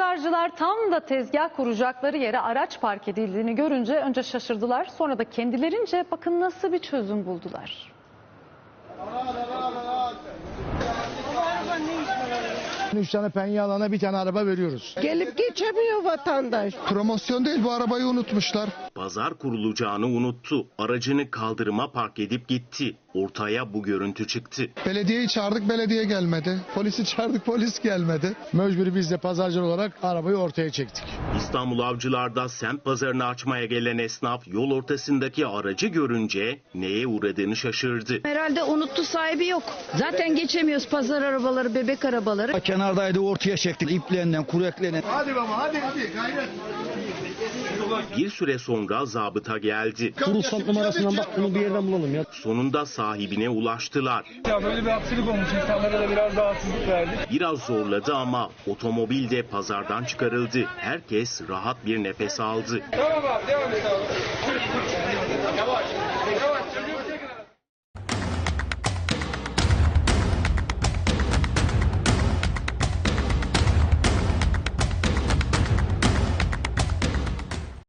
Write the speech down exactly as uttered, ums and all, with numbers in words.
Pazarcılar tam da tezgah kuracakları yere araç park edildiğini görünce önce şaşırdılar. Sonra da kendilerince bakın nasıl bir çözüm buldular. Üç tane penye alana bir tane araba veriyoruz. Gelip geçemiyor vatandaş. Promosyon değil, bu arabayı unutmuşlar. Pazar kurulacağını unuttu. Aracını kaldırıma park edip gitti. Ortaya bu görüntü çıktı. Belediyeyi çağırdık, belediye gelmedi. Polisi çağırdık, polis gelmedi. Mecburi biz de pazarcı olarak arabayı ortaya çektik. İstanbul Avcılar'da semt pazarını açmaya gelen esnaf yol ortasındaki aracı görünce neye uğradığını şaşırdı. Herhalde unuttu, sahibi yok. Zaten geçemiyoruz pazar arabaları, bebek arabaları. Kenardaydı, ortaya çektik iplerinden, kureklerinden. Hadi baba hadi hadi gayret. Bir süre sonra zabıta geldi. Kuru sat numarasından bak bunu bir yerden bulalım ya. Sonunda sahibine ulaştılar. Ya böyle bir aksilik olmuş, insanlara da biraz rahatsızlık verdi. Biraz zorladı ama otomobil de pazardan çıkarıldı. Herkes rahat bir nefes aldı. Tamam abi, devam et abi. Yavaş, yavaş.